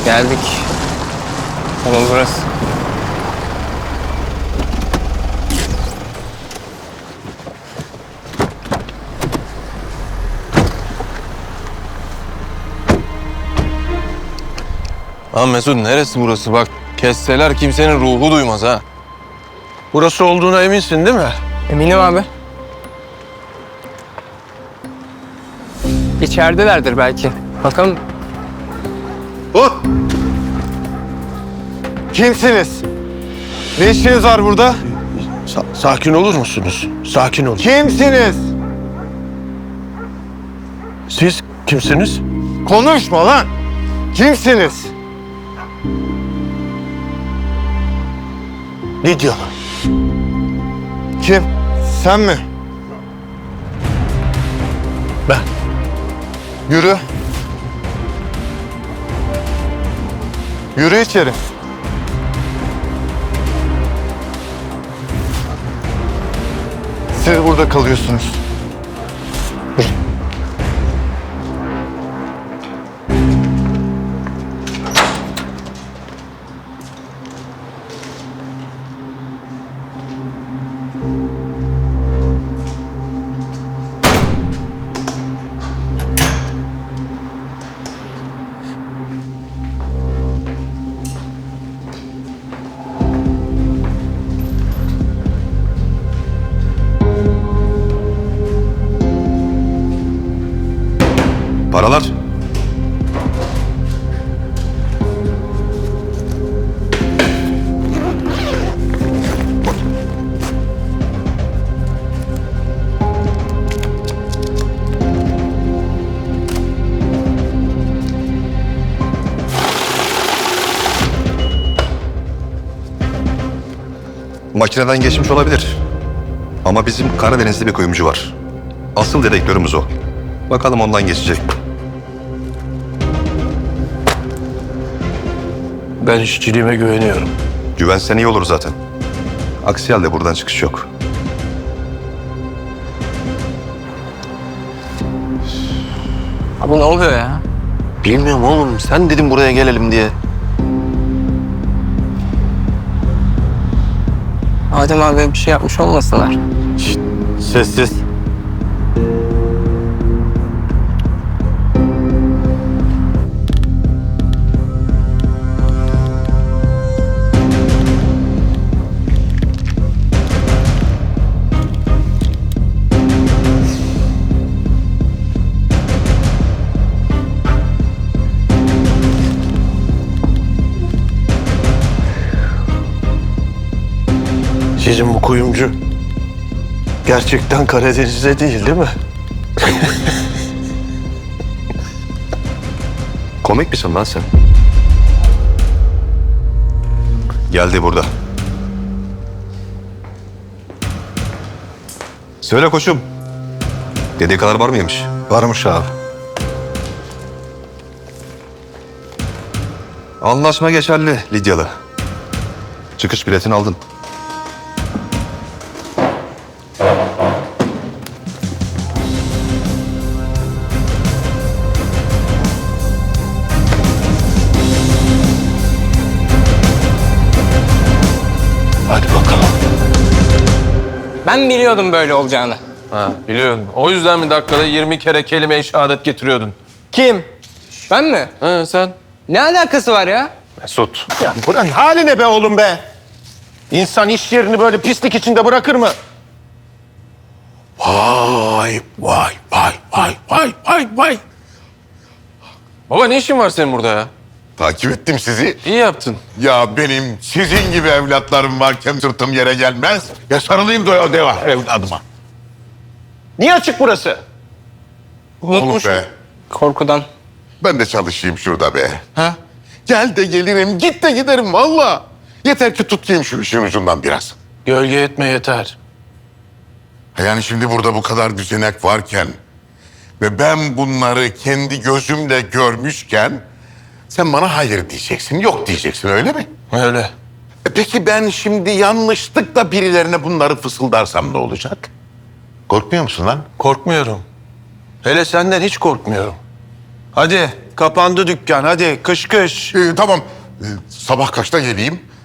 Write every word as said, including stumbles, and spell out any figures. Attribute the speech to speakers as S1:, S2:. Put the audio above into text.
S1: Geldik. Tamam burası.
S2: Lan Mesut neresi burası? Bak kesseler kimsenin ruhu duymaz ha.
S3: Burası olduğuna eminsin değil mi?
S1: Eminim abi. İçeridelerdir belki. Bakalım.
S3: Oh! Kimsiniz? Ne işiniz var burada? Sa- sakin olur musunuz? Sakin olun. Kimsiniz? Siz kimsiniz? Konuşma lan! Kimsiniz? Ne diyorlar? Kim? Sen mi? Ben. Yürü. Yürü içeri. Siz burada kalıyorsunuz. Yürü.
S4: Paralar. Makineden geçmiş olabilir. Ama bizim Karadeniz'de bir kuyumcu var. Asıl dedektörümüz o. Bakalım ondan geçecek mi?
S3: Ben işçiliğime güveniyorum.
S4: Güvensen iyi olur zaten. Aksi halde buradan çıkış yok.
S1: Abi ne oluyor ya?
S2: Bilmiyorum oğlum. Sen dedin buraya gelelim diye.
S1: Adem abi bir şey yapmış olmasınlar.
S3: Şşt, sessiz. Sizin bu kuyumcu gerçekten Karadeniz'de değil değil mi?
S4: Komik misin lan sen? Geldi burada. Söyle koçum. Dediği kadar var mıymış?
S3: Varmış abi.
S4: Anlaşma geçerli Lidyalı. Çıkış biletini aldın.
S3: Hadi bakalım.
S1: Ben biliyordum böyle olacağını.
S2: Ha biliyorum. O yüzden mi dakikada yirmi kere kelime-i şehadet getiriyordun?
S1: Kim? Ben mi?
S2: Ha sen?
S1: Ne alakası var ya?
S2: Mesut.
S3: Ya buranın hali ne be oğlum be? İnsan iş yerini böyle pislik içinde bırakır mı? Vay vay vay vay vay vay vay.
S2: Baba ne işin var senin burada ya?
S5: Takip ettim sizi.
S2: İyi yaptın.
S5: Ya benim sizin gibi evlatlarım varken sırtım yere gelmez. Ya sarılayım da o deva evladıma.
S3: Niye açık burası?
S5: Oğlum be.
S1: Korkudan.
S5: Ben de çalışayım şurada be.
S2: Ha?
S5: Gel de gelirim, git de giderim valla. Yeter ki tutayım şu işin ucundan biraz.
S3: Gölge etme yeter.
S5: Yani şimdi burada bu kadar düzenek varken ve ben bunları kendi gözümle görmüşken sen bana hayır diyeceksin, yok diyeceksin öyle mi?
S2: Öyle.
S5: E peki ben şimdi yanlışlıkla birilerine bunları fısıldarsam ne olacak? Korkmuyor musun lan?
S3: Korkmuyorum. Hele senden hiç korkmuyorum. Hadi kapandı dükkan hadi kış kış.
S5: Ee, tamam. Ee, sabah kaçta geleyim?